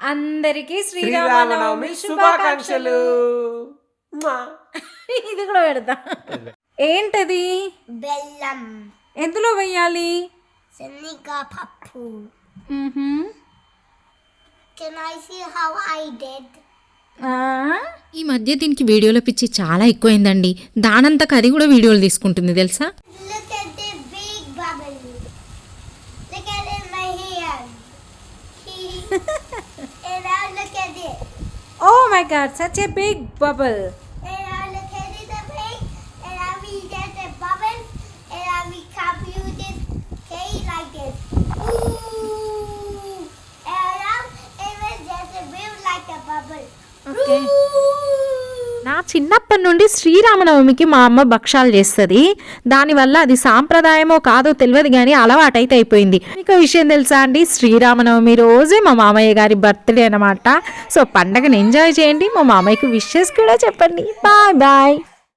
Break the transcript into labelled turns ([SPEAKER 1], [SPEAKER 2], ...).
[SPEAKER 1] అందరికీ శ్రీరామనవమి శుభాకాంక్షలు. ఇది కూడా పెడతా. ఏంటది?
[SPEAKER 2] బెల్లం.
[SPEAKER 1] ఎందులో వెయ్యాలి?
[SPEAKER 2] శనగపప్పు. Can I see how I did?
[SPEAKER 3] ఈ మధ్య దీనికి వీడియోలో పిచ్చి చాలా ఎక్కువైందండి. దానంతకు అది కూడా వీడియోలు తీసుకుంటుంది తెలుసా.
[SPEAKER 2] Look at the big bubble. Look at it in my hand. And now look at it.
[SPEAKER 1] Oh my god, such a big bubble.
[SPEAKER 2] And now look at it a bit. And now we get the bubble. And now we compute this cake like this. Ooh. And now it was just a bit like a bubble.
[SPEAKER 1] Okay.
[SPEAKER 3] నా చిన్నప్పటి నుండి శ్రీరామనవమికి మా అమ్మ భక్షాలు చేస్తుంది. దానివల్ల అది సాంప్రదాయమో కాదో తెలియదు కానీ అలవాటైతే అయిపోయింది. మీకు విషయం తెలుసా అండి, శ్రీరామనవమి రోజే మా మామయ్య గారి బర్త్డే అనమాట. సో పండగను ఎంజాయ్ చేయండి, మా మామయ్యకి విషెస్ కూడా చెప్పండి. Bye bye.